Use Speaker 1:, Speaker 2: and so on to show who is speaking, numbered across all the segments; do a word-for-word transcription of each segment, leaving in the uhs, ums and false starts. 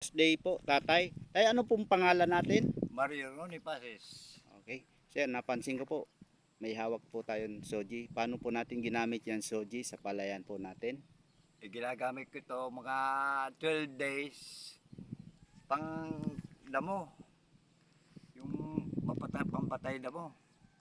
Speaker 1: birthday po, tatay. Tay, ano pong pangalan natin?
Speaker 2: Mario Ronnie Pases.
Speaker 1: Okay. Sir, napansin ko po, may hawak po tayong soji. Paano po natin ginamit yan soji sa palayan po natin?
Speaker 2: E, ginagamit ko ito mga twelve days pang damo. Yung mapatay, pampatay damo.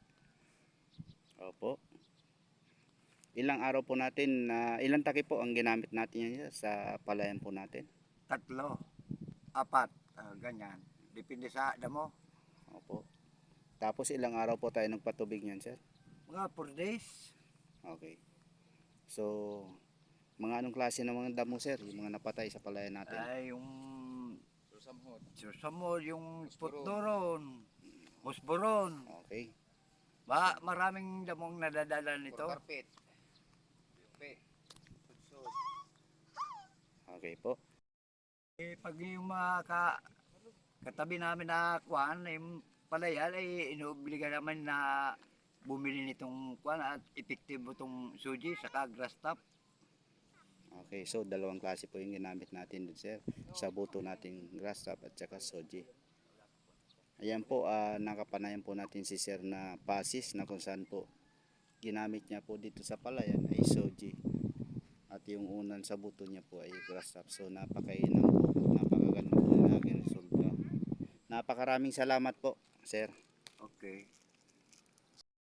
Speaker 1: Opo. Ilang araw po natin, uh, ilang taki po ang ginamit natin yan sa palayan po natin?
Speaker 2: Tatlo, apat, uh, ganyan. Depende sa damo.
Speaker 1: Opo. Tapos ilang araw po tayo nagpatubig niyan, sir?
Speaker 2: Mga four days.
Speaker 1: Okay. So, mga anong klase ng mga damo, sir? Yung mga napatay sa palayan natin?
Speaker 2: Ay, yung susamhod. Susamhod, yung putdoron, musboron.
Speaker 1: Okay.
Speaker 2: Ba, maraming damong nadadala nito.
Speaker 3: Carpet.
Speaker 1: Okay po.
Speaker 2: Eh, pag yung mga ka, katabi namin na kuhan, yung palayan, ay inuobliga naman na bumili nitong kuhan at epektibo itong suji saka grass top.
Speaker 1: Okay, so dalawang klase po yung ginamit natin dun, sir. Sa buto nating grass top at saka soji. Ayan po, uh, nakapanayan po natin si sir na pasis na kung saan po ginamit niya po dito sa palayan ay soji. At yung unan sa buto niya po ay grass top. So napakainam po, napakaganda po yung naging resulta. Napakaraming salamat po, sir.
Speaker 2: Okay.